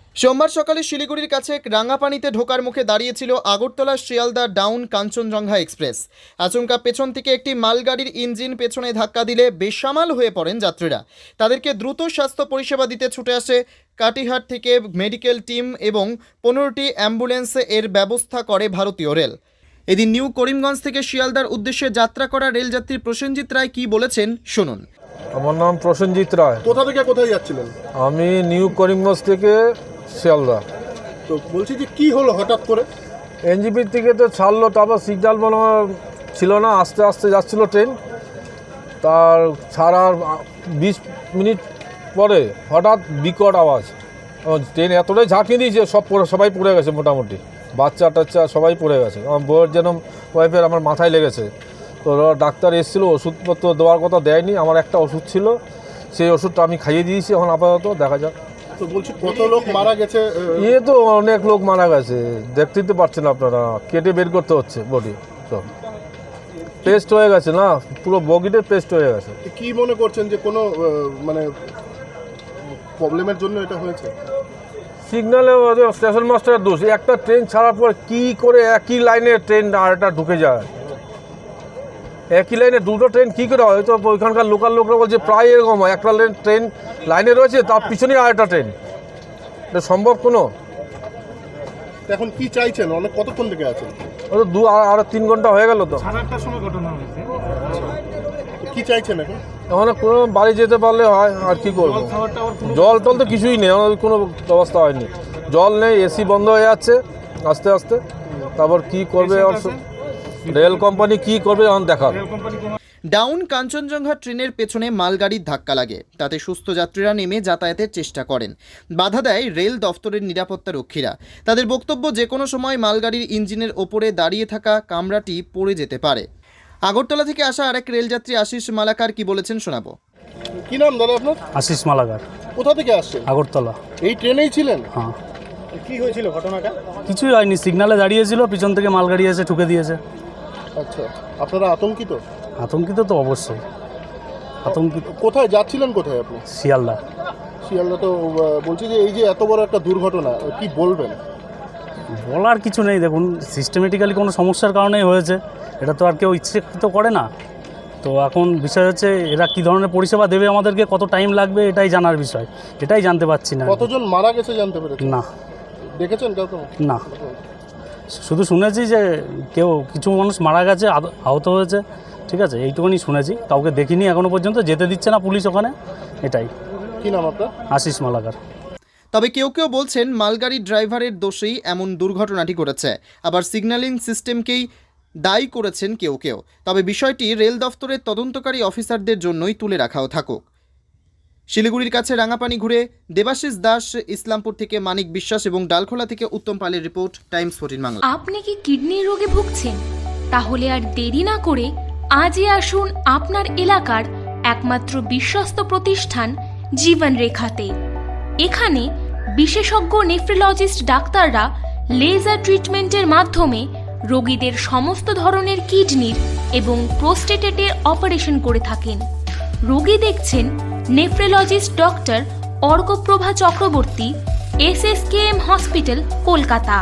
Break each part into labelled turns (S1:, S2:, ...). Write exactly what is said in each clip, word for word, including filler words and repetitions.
S1: সোমবার সকালে শিলিগুড়ির কাছে রাঙ্গাপানিতে ঢোকার মুখে দাঁড়িয়েছিল আগরতলা শিয়ালদা ডাউন কাঞ্চনজঙ্ঘা এক্সপ্রেস। আচমকা পেছন থেকে একটি মালগাড়ির ইঞ্জিন পেছনে ধাক্কা দিলে বেসামাল হয়ে পড়েন যাত্রীরা। তাদেরকে দ্রুত স্বাস্থ্য পরিষেবা দিতে ছুটে আসে কাটিহাট থেকে মেডিকেল টিম এবং পনেরোটি অ্যাম্বুলেন্স এর ব্যবস্থা করে ভারতীয় রেল। এদিন নিউ করিমগঞ্জ থেকে শিয়ালদার উদ্দেশ্যে যাত্রা করা রেলযাত্রী প্রসেনজিৎ রায় কি বলেছেন শুনুন।
S2: আমার নাম প্রসেনজিৎ রায়।
S3: কোথা থেকে কোথায় যাচ্ছিলেন?
S2: আমি নিউ করিমগঞ্জ থেকে শিয়ালদা।
S3: তো বলছি যে কি হলো হঠাৎ করে?
S2: এনজিপির থেকে তো ছাড়লো, তারপর সিগন্যাল মনে হয় ছিল না, আস্তে আস্তে যাচ্ছিল ট্রেন। তার ছাড়ার বিশ মিনিট পরে হঠাৎ বিকট আওয়াজ, ট্রেন এতটাই ঝাঁকিয়ে দিয়েছে সব পড়ে সবাই পড়ে গেছে, মোটামুটি বাচ্চা টাচ্চা সবাই পড়ে গেছে। আমার বউয়ের যেন ওয়াইফের আমার মাথায় লেগেছে। তো ডাক্তার এসেছিলো, ওষুধপত্র দেওয়ার কথা দেয়নি। আমার একটা ওষুধ ছিল, সেই ওষুধটা আমি খাইয়ে দিয়েছি। এখন আপাতত দেখা যাক।
S3: তো বলছি কত লোক মারা গেছে?
S2: এ তো অনেক লোক মারা গেছে, দেখতেই তো পাচ্ছেন আপনারা, কেটে বের করতে হচ্ছে বডি, সব পেস্ট হয়ে গেছে না, পুরো বগিতে পেস্ট হয়ে গেছে।
S3: কি মনে করছেন যে কোনো মানে প্রবলেমের জন্য এটা হয়েছে?
S2: সিগন্যালে স্টেশন মাস্টারের দোষ। একটা ট্রেন ছাড়ার পর কি করে একই লাইনে ট্রেন আর একটা ঢুকে যায়, একই লাইনে দুটো ট্রেন কী করে হয়? তো ওইখানকার লোকাল লোকরা বলছে প্রায় এরকম হয়, একটা ট্রেন লাইনে রয়েছে তার পিছনেই আর একটা ট্রেন, এটা সম্ভব কোনো?
S3: এখন কি চাইছেন? অনেক কতক্ষণ থেকে আছেন?
S2: ও তো দু আর তিন ঘন্টা হয়ে গেল। তো
S4: সাড়ে আটটার সময় ঘটনা হয়েছে।
S3: কি চাইছেন এখন?
S2: এখন কোনো বাড়ি যেতে পারলে হয়, আর কি করবো? জল টল তো কিছুই নেই, আমাদের কোনো ব্যবস্থা হয়নি, জল নেই, এসি বন্ধ হয়ে যাচ্ছে আস্তে আস্তে। তারপর কি করবে রেল কোম্পানি, কি করবে এখন দেখার।
S1: ডাউন কাঞ্চনজঙ্ঘা ট্রেনের পেছনে মালগাড়ির ধাক্কা লাগে, তাতে সুস্থ যাত্রীরা নেমে যাতায়াতের চেষ্টা করেন। বাধা দেয় রেল দফতরের নিরাপত্তা রক্ষীরা। তাদের বক্তব্য, যে কোনো সময় মালগাড়ির ইঞ্জিনের ওপরে দাঁড়িয়ে থাকা কামরাটি পড়ে যেতে পারে। আগরতলা থেকে আসা আরেক রেলযাত্রী আশিস মালাকার কি বলেছেন শোনাবো।
S3: কি নাম দাদা আপনার?
S4: আশিস মালাকার।
S3: কোথা থেকে আসছেন?
S4: আগরতলা।
S3: এই ট্রেনেই ছিলেন?
S4: হ্যাঁ।
S3: কি হয়েছিল ঘটনাটা?
S4: কিছুই হয়নি, সিগনালে দাঁড়িয়েছিল, পিছন থেকে মালগাড়ি এসে ঠুকে দিয়েছে।
S3: আচ্ছা, আপনারা আতঙ্কিত?
S4: আতঙ্কিত তো অবশ্যই, আতঙ্কিত।
S3: কোথায় যাচ্ছিলেন, কোথায় আপনি?
S4: শিয়ালদা।
S3: শিয়ালদা। তো বলছি যে এই যে এত বড় একটা দুর্ঘটনা, কি বলবেন?
S4: বলার কিছু নেই, দেখুন সিস্টেমেটিক্যালি কোনো সমস্যার কারণেই হয়েছে, এটা তো আর কেউ ইচ্ছাকৃত করে না। তো এখন বিষয় হচ্ছে এরা কী ধরনের পরিষেবা দেবে আমাদেরকে, কত টাইম লাগবে, এটাই জানার বিষয়, এটাই জানতে পারছি না।
S3: কতজন মারা গেছে জানতে পেরেছেন?
S4: না।
S3: দেখেছেন কাউকে?
S4: না, শুধু শুনেছি যে কেউ কিছু মানুষ মারা গেছে, আহত হয়েছে, ঠিক আছে, এইটুকুনি শুনেছি, কাউকে দেখিনি এখনো পর্যন্ত, যেতে দিচ্ছে না পুলিশ ওখানে, এটাই।
S3: কি নাম আপনার?
S4: আশিস মালাকার।
S1: তবে কেউ কেউ বলছেন মালগাড়ির ড্রাইভারের দোষেই এমন দুর্ঘটনাটি ঘটেছে, আবার সিগন্যালিং সিস্টেমকেই দায়ী করেছেন কেউ কেউ। তবে বিষয়টি রেল দফতরের তদন্তকারী অফিসারদের জন্যই তুলে রাখাও থাকুক। শিলিগুড়ির কাছে রাঙাপানি ঘুরে দেবাশিস দাস, ইসলামপুর থেকে মানিক বিশ্বাস এবং ডালখোলা থেকে উত্তম পালের রিপোর্ট, টাইমস ফোরটিন বাংলা।
S5: আপনি কি কিডনির রোগে ভুগছেন? তাহলে আর দেরি না করে আজই আসুন আপনার এলাকার একমাত্র বিশ্বস্ত প্রতিষ্ঠান জীবন রেখাতে। এখানে বিশেষজ্ঞ নেফ্রোলজিস্ট ডাক্তাররা লেজার ট্রিটমেন্টের মাধ্যমে রোগীদের সমস্ত ধরনের কিডনির এবং প্রোস্টেটেটের অপারেশন করে থাকেন। রোগী দেখছেন nephrologist doctor Arkaprabha Chakraborty, S S K M hospital, Kolkata;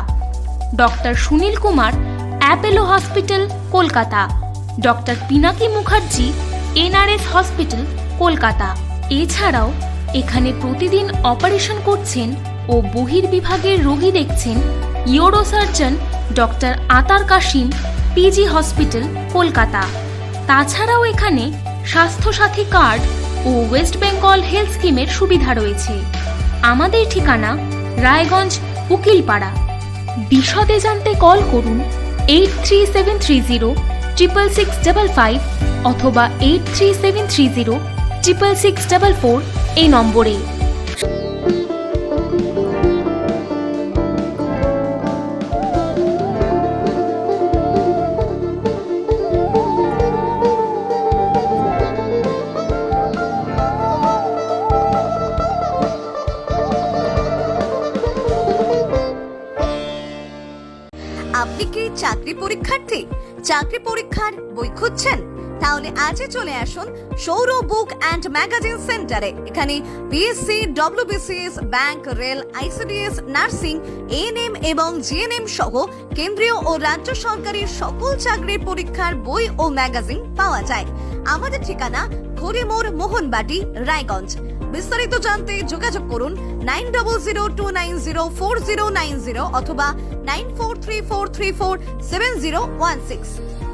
S5: doctor Sunil Kumar, Apollo hospital, Kolkata; doctor Pinaki Mukherjee, N R S hospital, Kolkata. এছাড়াও এখানে প্রতিদিন অপারেশন করছেন ও বহির্বিভাগের রোগী দেখছেন ইউরোসার্জন ডক্টর আতার কাশিম, পিজি হসপিটাল, কলকাতা। তাছাড়াও এখানে স্বাস্থ্যসাথী কার্ড ও ওয়েস্ট বেঙ্গল হেলথ স্কিমের সুবিধা রয়েছে। আমাদের ঠিকানা রায়গঞ্জ, উকিলপাড়া। বিশদে জানতে কল করুন eight three seven three zero triple six double five অথবা eight three seven three zero triple six double four এই নম্বরে।
S6: আপনি কি চাকরি পরীক্ষার্থী? চাকরি পরীক্ষার বই খুঁজছেন? তাহলে আজই চলে আসুন সৌর বুক অ্যান্ড ম্যাগাজিন সেন্টারে। এখানে BSc, WBCS, bank, rail, ICDS, nursing, ANM এবং জিএনএম সহ কেন্দ্রীয় ও রাজ্য সরকারের সকল চাকরির পরীক্ষার বই ও ম্যাগাজিন পাওয়া যায়। আমাদের ঠিকানা ঘড়িমোড়, মোহনবাটি, রায়গঞ্জ। বিস্তারিত জানতে যোগাযোগ করুন nine double zero two nine zero four zero nine zero অথবা nine four three four three four seven zero one six.